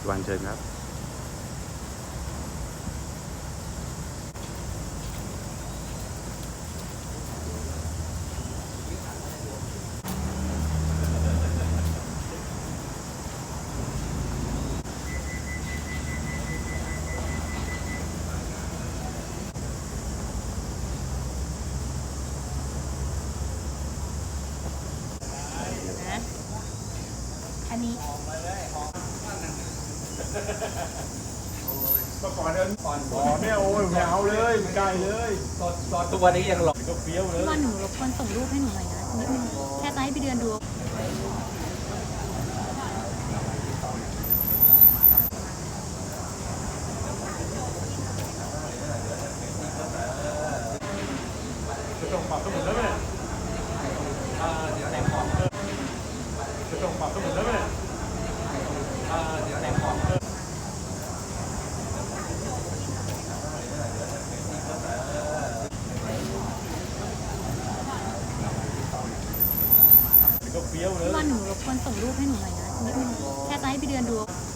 วันเชิญครับนะอันนี้ก็ก่อนเดินก่อนเนี่ยโอ้ยไม่เอาเลยไม่ได้เลยตอนทุกวันนี้ยังหลอกก็เฟี้ยวเลยว่าหนูรบกวนส่งรูปให้หนูหน่อยนะนิดนึงแค่จะให้พี่เดือนดูจะต้องปรับทั้งหมดแล้วไหมเดี๋ยวแต่งของจะต้องปรับทั้งหมดแล้วไหมเดี๋ยวแต่งของก็เฟี้ยวเลยว่าหนูรบกวนส่งรูปให้หนูหน่อยนะนิดนึงแค่จะให้พี่เดือนดู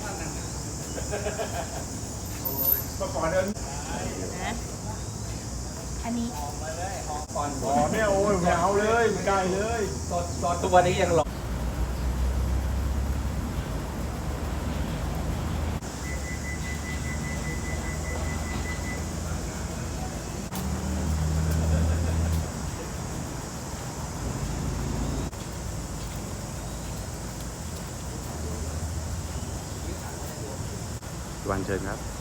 ก็ก่อนเดินนะอันนี้ก่อนเนี่ยโอ้ยไม่เอาเลยไม่ได้เลยตอนทุกวันนี้ยังหลอกวันเชิญครับ